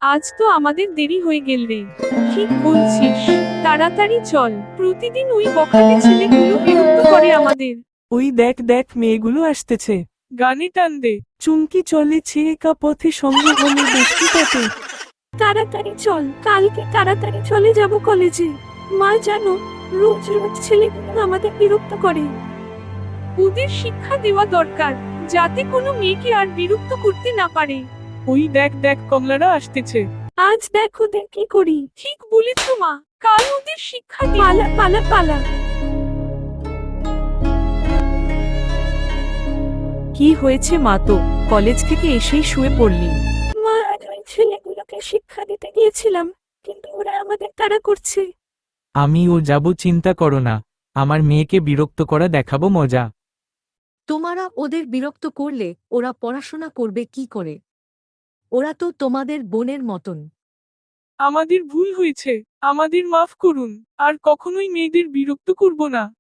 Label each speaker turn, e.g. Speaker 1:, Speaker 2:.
Speaker 1: আজ তো আমাদের দেরি হয়ে গেল রে। ঠিক বলছিস, তাড়াতাড়ি চল। প্রতিদিন ওই বখাটে ছেলেগুলো বিরক্ত করে আমাদের।
Speaker 2: ওই দেখ দেখ মেয়েগুলো আসতেছে।
Speaker 3: গানে টান দে।
Speaker 2: চুমকি চলেছে একা পথে সঙ্গে হলে বৃষ্টিটাতে।
Speaker 1: তাড়াতাড়ি চল, কালকে তাড়াতাড়ি চলে যাব কলেজে। মা জানো, রোজ রোজ ছেলেগুলো আমাদের বিরক্ত করে। ওদের শিক্ষা দেওয়া দরকার, যাতে কোনো মেয়েকে আর বিরক্ত করতে না পারে।
Speaker 3: ওই দেখ দেখ কমলারা আসতেছে।
Speaker 1: আজ দেখ ওদের কি করি। ঠিক বলেছ মা, কাল ওদের শিক্ষা দিই। পালা পালা পালা।
Speaker 2: কি হয়েছে মা, তো কলেজ থেকে এসেই শুয়ে পড়লি?
Speaker 1: মা, আজ ওই ছেলেগুলোকে শিক্ষা দিতে গিয়েছিলাম, কিন্তু ওরা আমাদের তাড়া করছে।
Speaker 4: আমিও যাব, চিন্তা করো না। আমার মেয়েকে বিরক্ত করা দেখাবো মজা।
Speaker 5: তোমরা ওদের বিরক্ত করলে ওরা পড়াশোনা করবে কি করে? ওরা তো তোমাদের বোনের মতন।
Speaker 3: আমাদের ভুল হয়েছে, আমাদের মাফ করুন, আর কখনোই মেয়েদের বিরক্ত করব না।